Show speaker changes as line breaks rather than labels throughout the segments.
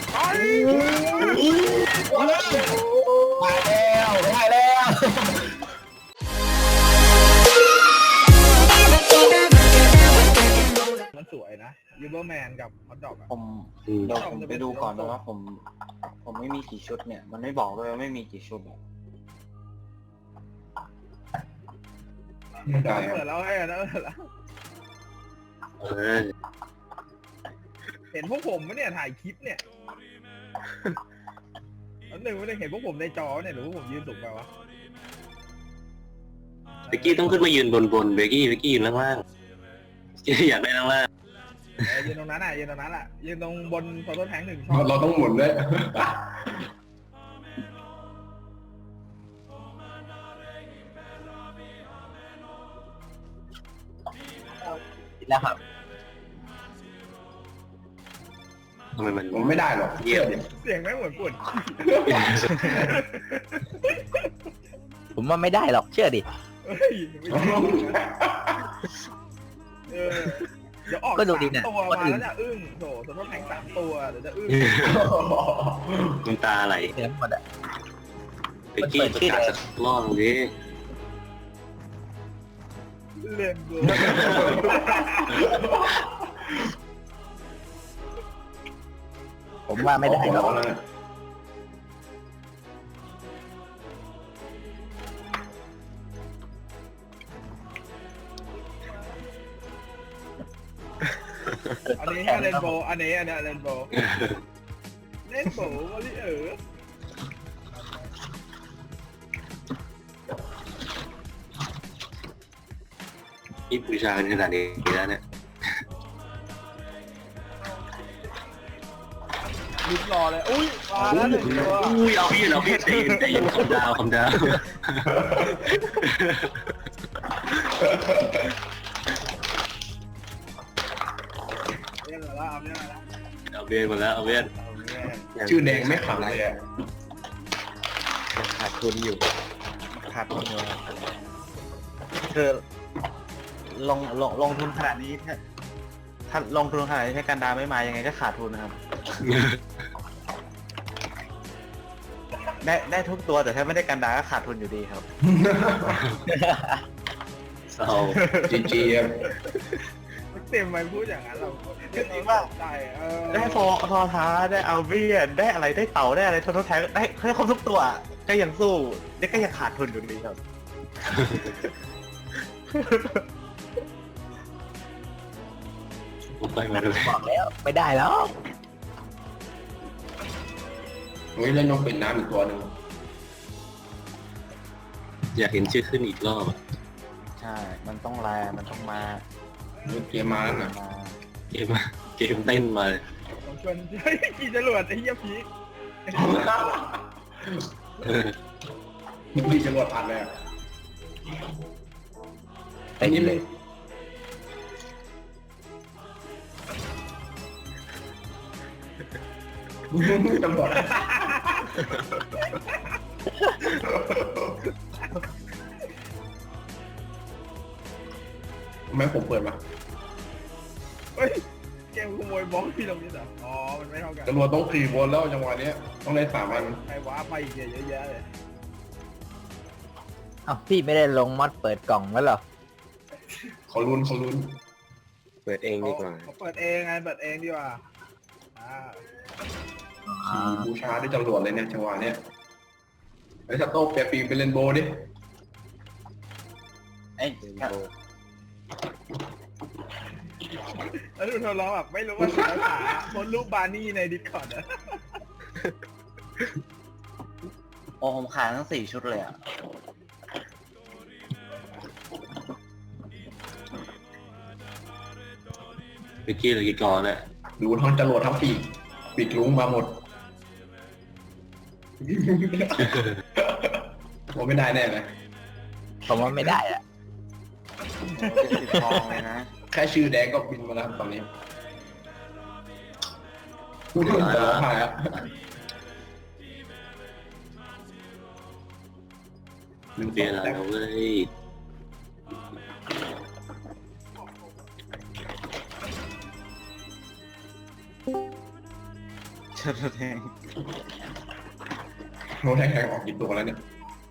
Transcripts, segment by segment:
ได้แล้วมันสวยนะยูเบอร์แมนกับฮอตดอกอะ
ผมเดี๋ยวผมไปดูก่อนนะว่าผมไม่มีกี่ชุดเนี่ยมันไม่บอกเลยว่าไม่มีกี่ชุด
ได้เปิดแล้วให้นะเปิดแล้วเห็นพวกผมไหมเนี่ยถ่ายคลิปเนี่ยอันหนึ่งไม่ได้เห็นพวกผมในจอเนี่ยหรือพวกผมยืนสูงไปวะ
เบกกี้ต้องขึ้นมายืนบนเบกกี้ยืนล่างอยากได้ล่าง
ยืนตรงนั้นอ่ะยืนตรงนั้นอ่ะยืนตรงบนโซโล่แทง1 ช่อง
เราต้องหมุนด้วย
แล้วครับ
ทำไมมัน
ผมไม่ได้หรอก
เยี่ยม
เสียงไม่เหมือนปุ่น
ผมว่าไม่ได้หรอกเชื่อดิ
เฮ้ยเดี๋ยวออก3 ตัวมาแล้วจะอึ้งโถโซโล่แทง3 ตัวเดี๋ยวจะอึ้ง
คุณตาไหล
เต็มหมดอะ
เบกกี้ประกาศสักรอบดิ
เล่นกู
ผมว่าไม่ได้หรอก
อันนี้ให้เรนโบว์อันนี้เรนโบว์เล่นโบว์วอลลี่
นี่บูชาขนาดนี้แล้วเนี่ย
ลิ้นรอเลยอุ้ยมาแล้ว1 ตัว
อุ้ยเอาพี่ใจเย็นคำดาว
เล่นแล้ว
เอาเบียนหมดแล้วเอาเบียน
ชื่อแดงไม่ขำเลยอ่ะ
ขาดทุนอยู่คือลงทุนขนาดนี้ถ้าลงทุนขนาดนี้ถ้ากันดาไม่มายังไงก็ขาดทุนนะครับ ได้ทุกตัวแต่ถ้าไม่ได้กันดาก็ขาดทุนอยู่ดีครับ
เศร้า
จี
เต็มไปพูดอย่างนั้นเรา
จริงว่าได้ฟอท้าได้เอาเบียนได้อะไรได้เต่าได้อะไรทดแทนได้ครบทุกตัวก็ยังสู้ได้ก็ยังขาดทุนอยู่ดีครับ
ผมไปมาดู
บอกแล้วไม่ได้แล้ว
เล่นนกเป็นน้ำอีกตัวหนึ่ง
อยากเห็นชื่อขึ้นอีกรอบ
ใช่มันต้องมันต้องมา
เกมมาแล้วนะ
เกมเต้นมาเลย
ผมชวนขี่จรวดไอ้เหี้ยพี
นี่จรวดผ่านเลย
ไอ้นี่เลย
ตำรวจทำไมผมเปิดมา
เฮ้ยเกมขโมยบล็อกพี่ตรงนี้เหรออ๋อมันไม่เท่ากัน
ตำรวจต้อง4 บนแล้วจังหวะนี้ต้องได้3 อัน
ใครว้าไปอีกเยอะแยะเลย
อ้าวพี่ไม่ได้ลงมอดเปิดกล่องแล้วเหรอ
เขาลุ้น
เปิดเองดีกว่า
เปิดเองไงเปิดเองดีกว่า
บูชาได้ตำรวจเลยเนี่ยจังหวะเนี้ยไอ้ชัตโต้แปลปีเป็นเรนโบว์ดิ
ไอ้
แล้วดูเธอร้องแบบไม่รู้ว่าภาษาโพสรูปบาร์นี่ในดิสคอร์ดอะ
โอ้ผมขายทั้ง4 ชุดเลยอ่ะ
เบกกี้เลยกี่กรเนี่ย
ดูทั้งจรวดทั้งปีกลุงมาหมดผมไม่ได้แน่เลย
ผมว่าไม่ได้อ่ะทองเลยนะ
แค่ชื่อแดงก็บินมาแล้วตอนนี้พูดถึงจะร้องไห้อะ
มันเปลี่ยนอะไรเว้ย
เชิญแทง
โน้ตแทงออกกี่ตัวแล้วเนี่ย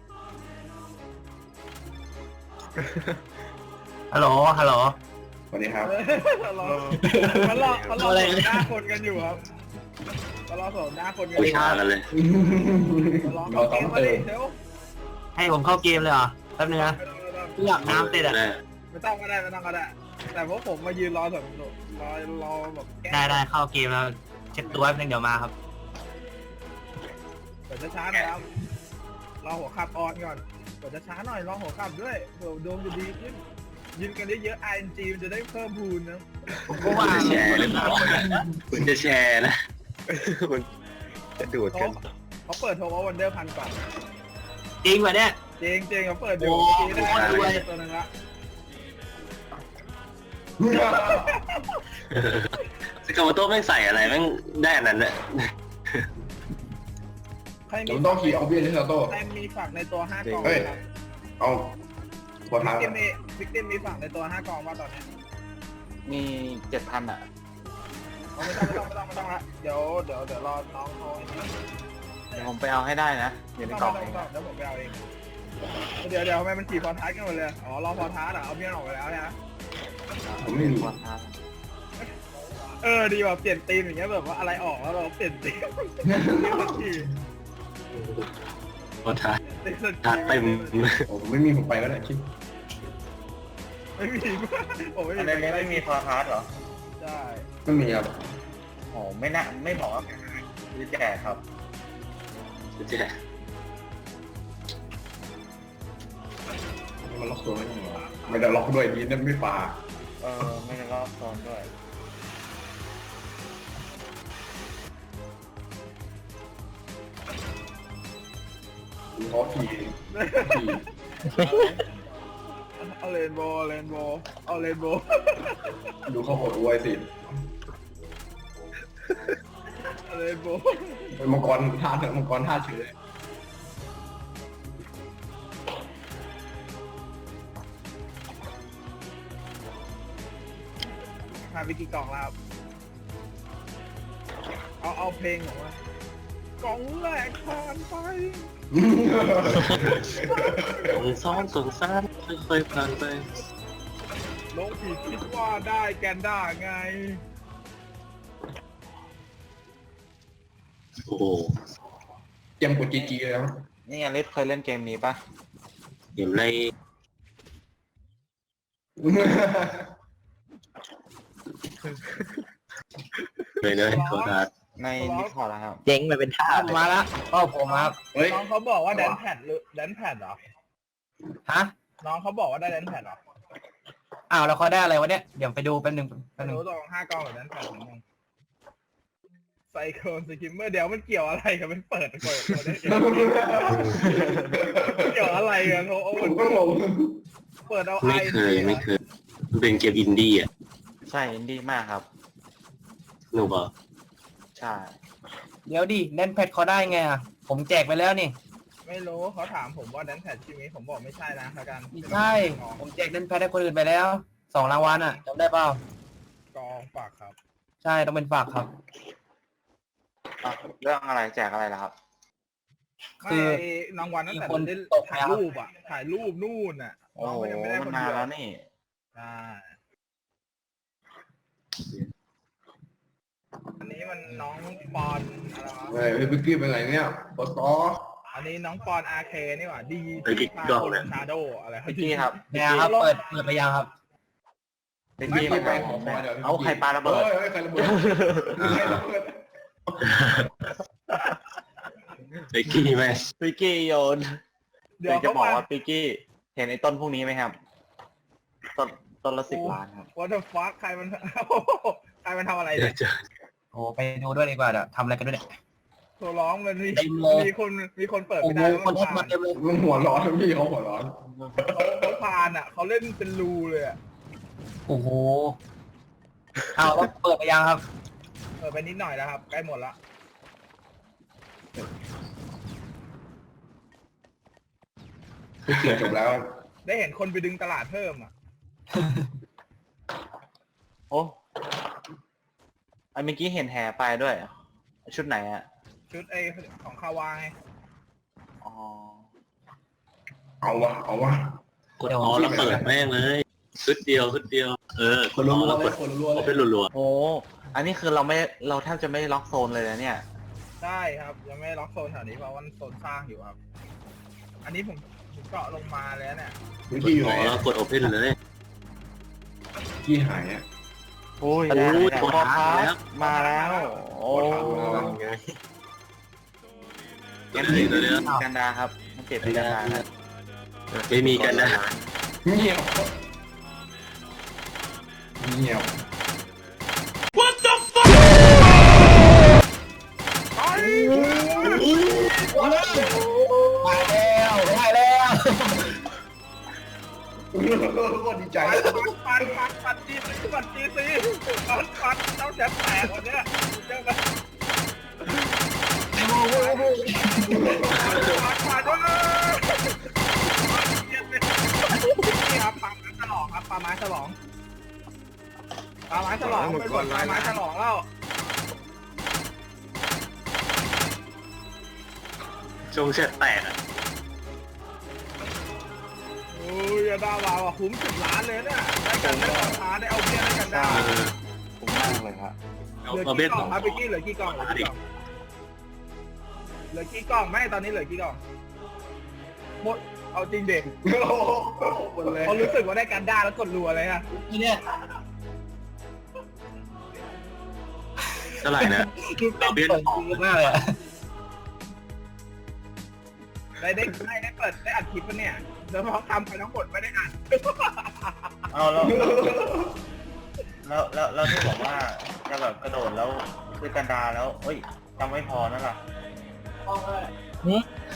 ฮัลโหลฮัลโหล
สวัสดีครับ
เขารอโสดหน้าคนกันอยู่ครับเขารอโสดหน้าคนกันอ
บู
ยู่
ชากันเลย
รอเขาเกมมาดิเดี๋ยว
ให้ผมเข้าเกมเลยเหรอแป๊บนึงนะอยากน้ำติดอ่ะ
ไม่ต้องก็ได้ไม่ต้องก็ได้แต่พวกผมมายืนรอแบบรอแบบแก้
ได้เข้าเกมแล้วเช็ดตัวแป๊บนึงเดี๋ยวมาครับ
เปิดช้าๆหน่อยครับรอหัวขับออนก่อนเปิดช้าๆหน่อยรอหัวขับด้วยเผื่อดวงจะดีขึ้นยืนกันเยอะๆ ING มันจะได้เพิ่มพูนนะ
ผมก็ว่า
จะแชร์หรือเปล่าคุณจะแชร์นะ
มันจะดูดกัน
เขาเปิดโทรวันเดอร์พันก่อน
จริงป่ะเนี่ย
เจงเขาเปิดอยู่ได้ตัวนึงละ
สกาวโต้แม่งใส่อะไรแม่งได้อันนั้นแหละ
ใคร
เดี๋ยวมันต้องขี่เอาเบียร์ที่ซาโต้
ใครมีฝากในตัว5กล่อง
เฮ้ย เอาหัวท้าย
วิกเกมมีฝากในตัว5กล่องว่าตอนนี้
มี7,000อ่ะ
ไม่ต้องละเดี๋ยวรอน้องเขา
เดี๋ยวผมไปเอาให้ได้นะอยู่ในกล่อง
เดี๋ยวผมไปเอาเองเดี๋ยวทำไมมันขี่พอท้ายกันหมดเลยอ๋อรอพอท้ายอ่ะเอาเบี้ยออกไปแล้วนะ
ผมไม่มี
หัวท้าย
ดีแบบเปลี่ยนธีมอย่างเงี้ยแบบว่าอะไรออกแล้วเราเปลี่ยนธีมขี่
โอ้ท้า
ตีสัก
ท้าเต็ม
ผมไม่มีผมไปก็ได้คิด
ไม่มีผมไม่
อันนี้ไม่มีคอร์ทัสเหรอ
ใช่
ไม่มีครับ
โอ้ไม่น่าไม่บอกว่าคือแจกครับ
จะแชร์
มันล็อกตัวไม่ได้หรอไม่ได้ล็อกด้วยดีนั่นไม่ปา
ไม่ได้รอบซ้อนด้วย
เขาขี่
เอาเลนโบเอาเลนโบ
ดูเขาโหดอวยสิ
เอาเลนโบ
เป็นมังกรท่าเถอะมังกรท่าเฉย
มาวิกิกล่องแล้วเอาเพลงของว่ากล่องแรกผ่านไป
สงสารค่อยๆผ่านไป
ลงผิดคิดว่าได้แกนด้าไง
โอ้โห
เตรียมกดจีเลยครับ
นี่อลิสเคยเล่นเกมนี้ปะ
เห็นในเลยโทษครับ
ในดิสคอร์ดนะครับ
เจ๊งไปเป็นท่ามาแล้วก็ผมครับ
เฮ้ย
น้องเขาบอกว่าแดนแพดหรือแดนแพดเหรอ
ฮะ
น้องเขาบอกว่าได้แดนแพดเหรอ
อ้าวแล้วเขาได้อะไรวะเนี่ยเดี๋ยวไปดูแป๊บนึง
รู้ตรง5 กล่องหรือแดนแพดนิดนึงไซโคลนสกิมเมอร์เดี๋ยวมันเกี่ยวอะไรกับมันเปิดเกี่ยวอะไรกันโอ้
ผมก็งง
เปิดเอา
ไม่เคยมันเป็นเกมอินดี้อ่ะ
ใช่อินดี้มากครับ
หนูบอก
ใช่
เดี๋ยวดิแดนแพดเขาได้ไงอ่ะผมแจกไปแล้วนี่
ไม่รู้เขาถามผมว่าแดนแพดใช่ไหมผมบอกไม่ใช่นะแล้วกัน
ไม่ใช่ผมแจกแดนแพดให้คนอื่นไปแล้ว2 รางวัลอ่ะจำได้เปล่าก
องฝากครับ
ใช่ต้องเป็นฝากครับ
เรื่องอะไรแจกอะไรล่ะครับ
คือ
ไม่รางวัลตั้งแต่
มีคน
ได้
ตก
ถ่าย
แล้ว
รูปอ่ะถ่ายรูปนู่นอ่ะ
โอ้
น้อง
โห
ก็ยังไม่ได้
มัน
คน
มา
เดียว
แล้วนี่
ใช่อันนี้มันน้องปอนอะไรวะ
เฮ้ยบิ๊กกี้เป็นไงเนี่ยปตอ
อันนี้น้องปอนอาเคนี่หว่าดี
ไอ้กิ๊กดอกเลย
ชาโดอะไร
พิกกี้ครับ
เนี่ยครับเปิดไปยังครับ
พิกกี้ไม่ไปเอาใครปาระเบิด
เฮ้ยใครระเบิดใครระเบิด
ไอ้กี้แม่
พิกกี้โยน
เดี๋ยว
จะ
เขา
บอก
มา
ว่าพิกกี้เห็นไอ้ต้นพวกนี้ไหมครับ ต้นละ10 ล้านครับ
What the fuck ใครมัน ใครมันทำอะไร
เดี๋ย
เนี่
วย เจอ
โอ้ไปดูด้วยดีกว่าเดี๋ยวทำอะไรกันด้วยเนี่ย
โทรร้องมัน
เต็มเลย
มีคนเปิด
โอ้
ไม่
โห
ได้
คนทักมาเต็มเลย
มันหัวร้อนพี่เขาหัวร้อน
เขาพานอ่ะเขาเล่นเป็นรูเลยอ่ะ
โอ้โหเอาแล้วเปิดไปยังครับ
เปิดไปนิดหน่อยแล้วครับใกล้หมดละ
พี่เกียจบแล้ว
ได้เห็นคนไปดึงตลาดเพิ่มอ่ะ
โอ้ไอ้เมื่อกี้เห็นแห่ไปด้วยชุดไหนอะ
ชุดไอของคาวาย
อ๋อ
เอาวะเอาวะ
กดออแล้วเปิดแม่งเลยชุดเดียวเออ
คนรัวๆเลยคนรัวๆ
เอา
เล
เป็น
ย
รัว
โอ้อันนี้คือเราแทบจะไม่ล็อกโซนเลยนะเนี่ย
ใช่ครับยังไม่ล็อกโซนแถวนี้เพราะว่าโซนสร้างอยู่ครับ อันนี้ผมเจาะลงมาแล้วเนี่ย
วิ
ๆก
ธี
ด
อยู่
อ
ไหน
อแล้วกดโอเพนเลย
ที่หายอ่ะ
โอ้ย
โอ้ย
ได้
โทร
พอ
หา
พั
แล้ว
กมาแล้ว โอ้
ตัวนี้ตัวนี้
กันดาครับมันเจ็บเป็นกันดาครับ
ไม่มีกันนะ
เงียบเงียบ
มาแล้ว
โคตรดีใจ
ปัดจีซีปัดเจ้าแสบแตกวันเนี้ยเจ้าแบบปัดนี่ครับปาไม้ฉลองครับปาไม้ฉลองไปกดปาไม้ฉลองแล้ว
ชงเช็ดแตกอ่ะ
โอ้ยได้มาว่ะคุ้ม10 ล้านเลยเนี่ยได้กันได้ราคาได้เอาเบี้ยได้กันได้
คุ้มมากเลยครับ
เหลือกี่กล่องครับพี่กี้เหลือกี่กล่องเหลือกี่กล่องไม่ตอนนี้เหลือกี่กล่องหมดเอาจริงเด็ก
หมดเลย
เขารู้สึกว่าได้กันได้แล้วกดรัวเลยอะ
เนี่ย
เท่าไหร่นะเอาเบี้ย
มากเลย
ได้เปิดได้อัดคลิปปะเนี่ยเดี๋ยวพอทำไปทั้งหมดไม่ได้อัด
เอาแล้วที่บอกว่าจะแบบกระโดดแล้วคือกันดาแล้วเอ้ยจำไม่พอนั่นแหละ